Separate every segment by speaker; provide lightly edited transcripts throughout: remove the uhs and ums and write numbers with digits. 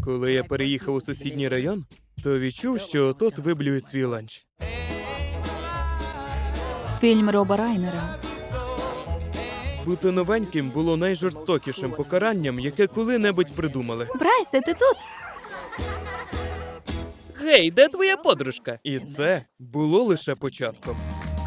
Speaker 1: Коли я переїхав у сусідній район, то відчув, що тут виблюють свій ланч.
Speaker 2: Фільм Роба Райнера.
Speaker 1: Бути новеньким було найжорстокішим покаранням, яке коли-небудь придумали.
Speaker 2: Брайсе, ти тут?
Speaker 1: Гей, де твоя подружка? І це було лише початком.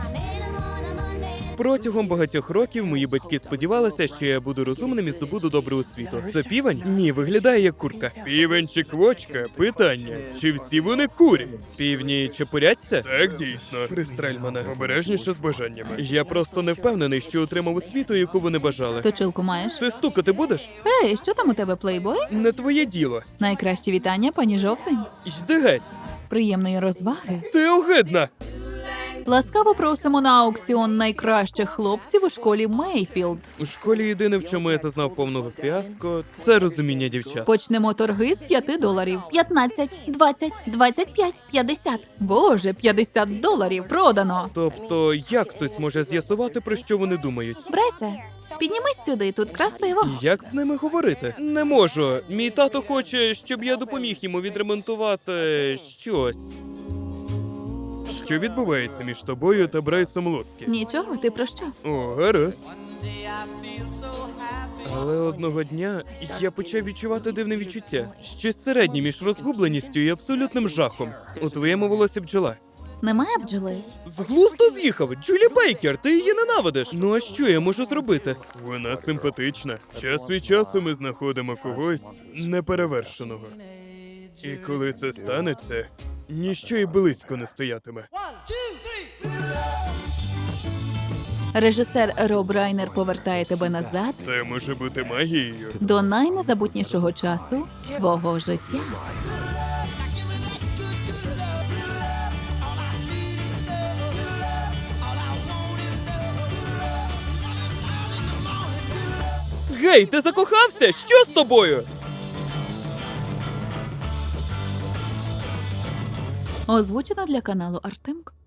Speaker 1: Протягом багатьох років мої батьки сподівалися, що я буду розумним і здобуду добру освіту. Це півень? Ні, виглядає як курка. Півень чи квочка? Питання. Чи всі вони курі? Півні чепуряться? Так, дійсно. Пристрель мене. Обережніше з бажаннями. Я просто не впевнений, що отримав освіту, яку вони бажали.
Speaker 2: Точилку маєш?
Speaker 1: Ти стукати будеш?
Speaker 2: Ей, що там у тебе, плейбой?
Speaker 1: Не твоє діло.
Speaker 2: Найкращі вітання, пані Жовтень.
Speaker 1: Йди геть.
Speaker 2: Приємної розваги.
Speaker 1: Ти огидна.
Speaker 2: Ласкаво просимо на аукціон найкращих хлопців у школі Мейфілд.
Speaker 1: У школі єдине, в чому я зазнав повного фіаско, це розуміння дівчат.
Speaker 2: Почнемо торги з $5. 15, 20, 25, 50. Боже, $50 продано.
Speaker 1: Тобто, як хтось може з'ясувати, про що вони думають?
Speaker 2: Брайсе, піднімись сюди, тут красиво.
Speaker 1: Як з ними говорити? Не можу. Мій тато хоче, щоб я допоміг йому відремонтувати щось. Що відбувається між тобою та Брайсом Лоскі?
Speaker 2: Нічого, ти про що?
Speaker 1: О, гаразд. Але одного дня я почав відчувати дивне відчуття. Щось середнє між розгубленістю і абсолютним жахом. У твоєму волосі бджола.
Speaker 2: Немає бджоли?
Speaker 1: З глузду з'їхав! Джулі Бейкер, ти її ненавидиш! Ну а що я можу зробити? Вона симпатична. Час від часу ми знаходимо когось неперевершеного. І коли це станеться, ніщо й близько не стоятиме.
Speaker 2: Режисер Роб Райнер повертає тебе назад
Speaker 1: Це може бути магією.
Speaker 2: до найнезабутнішого часу твого життя.
Speaker 1: Гей, ти закохався? Що з тобою?
Speaker 2: Озвучено для каналу Артемк.